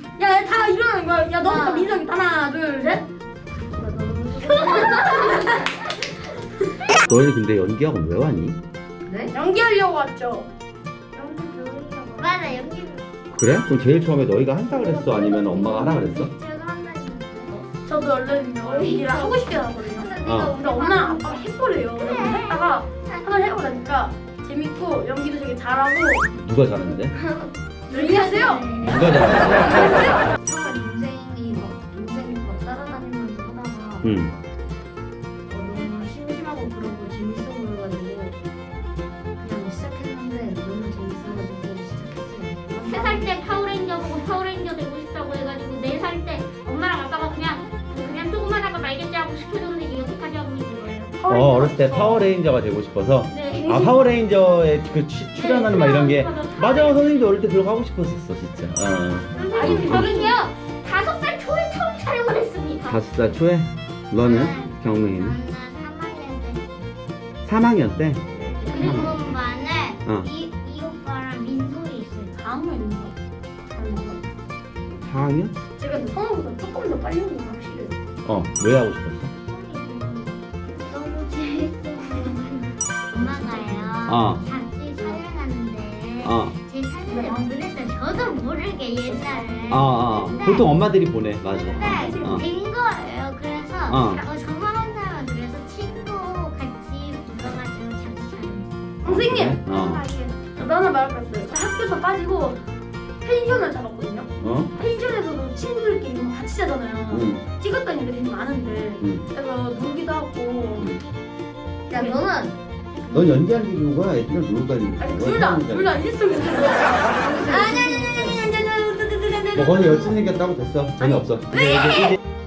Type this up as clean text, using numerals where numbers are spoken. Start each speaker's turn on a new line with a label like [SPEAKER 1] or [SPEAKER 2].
[SPEAKER 1] 야, 다 일어나는 거야. 야, 너부터 민석이 하나, 둘, 셋.
[SPEAKER 2] 너희는 근데 연기학원 왜 왔니?
[SPEAKER 3] 네?
[SPEAKER 1] 연기하려고 왔죠.
[SPEAKER 4] 연기 배우려고. 맞아, 연기.
[SPEAKER 2] 그래? 그럼 제일 처음에 너희가 한다 그랬어? 아니면 엄마가 하라 그랬어?
[SPEAKER 4] 제가 한다니까.
[SPEAKER 1] 저도 얼른 연기를 하고 싶게 하거든요.
[SPEAKER 2] 어.
[SPEAKER 1] 근데 엄마, 아빠가 해보래요. 그래서 했다가 한번 해보라니까 재밌고 연기도 되게 잘하고.
[SPEAKER 2] 누가 잘하는데?
[SPEAKER 1] 연기하세요.
[SPEAKER 2] 누가 잘하는데?
[SPEAKER 3] 처음에 동생이 막 따라다니면서 하다가
[SPEAKER 2] 응.
[SPEAKER 3] 너무 심심하고 그러고 재밌어 보여가지고 그냥 시작했는데 너무 재밌어가지고 시작했어요.
[SPEAKER 4] 3살 때 파워레인저 보고 파워레인저 되고 싶다고 해가지고 4살 때 엄마랑 아빠가 그냥 조금만 하고 말겠지 하고 시켜줬는데 이게 여태까지 하고 있는 거예요.
[SPEAKER 2] 어렸을 때 파워레인저가 되고 싶어서.
[SPEAKER 4] 네.
[SPEAKER 2] 아 파워레인저에 그 출연하는 막 이런 게 맞아 선생님도 어릴 때 들어가고 싶었었어 진짜.
[SPEAKER 4] 선생님 저는요 5살 초에 처음 촬영을 했습니다.
[SPEAKER 2] 5살 초에? 너는? 경민이는?
[SPEAKER 4] 나는
[SPEAKER 2] 3학년 때?
[SPEAKER 4] 그리고 반에
[SPEAKER 2] 어.
[SPEAKER 4] 이 오빠랑 민솔이 있어요.
[SPEAKER 1] 4학년인가?
[SPEAKER 2] 4학년?
[SPEAKER 1] 제가 근데 성우보다 조금 더 빨리 온게 확실해요.
[SPEAKER 2] 왜 하고 싶었어?
[SPEAKER 4] 너무 재밌어요. 엄마가요. 잡지 촬영하는데 제 사진을 보냈어요. 저도 모르게 옛날에.
[SPEAKER 2] 보통 엄마들이 보내 맞아.
[SPEAKER 4] 근데 된 거예요. 그래서
[SPEAKER 2] 어.
[SPEAKER 4] 저만 한 사람은 그래서 친구 같이 불러가지고 잡지 촬영했어요.
[SPEAKER 1] 선생님!
[SPEAKER 2] 어.
[SPEAKER 1] 저도 하나 말할 거 있어요. 학교에서 빠지고 펜션을 잡았거든요. 펜션에서도 친구들끼리 막 같이 자잖아요.
[SPEAKER 2] 응.
[SPEAKER 1] 찍었던 일이 되게 많은데
[SPEAKER 2] 응.
[SPEAKER 1] 그래서 놀기도 하고
[SPEAKER 3] 야 너는
[SPEAKER 2] 넌 연기하는 게 좋은 거야? 애들이랑 놀고 다니는 게
[SPEAKER 1] 아니
[SPEAKER 2] 좋은 거야?
[SPEAKER 1] 둘다 일석이조. 아니
[SPEAKER 2] 뭐 거기 여친 생겼다고 됐어. 전혀 없어. 이제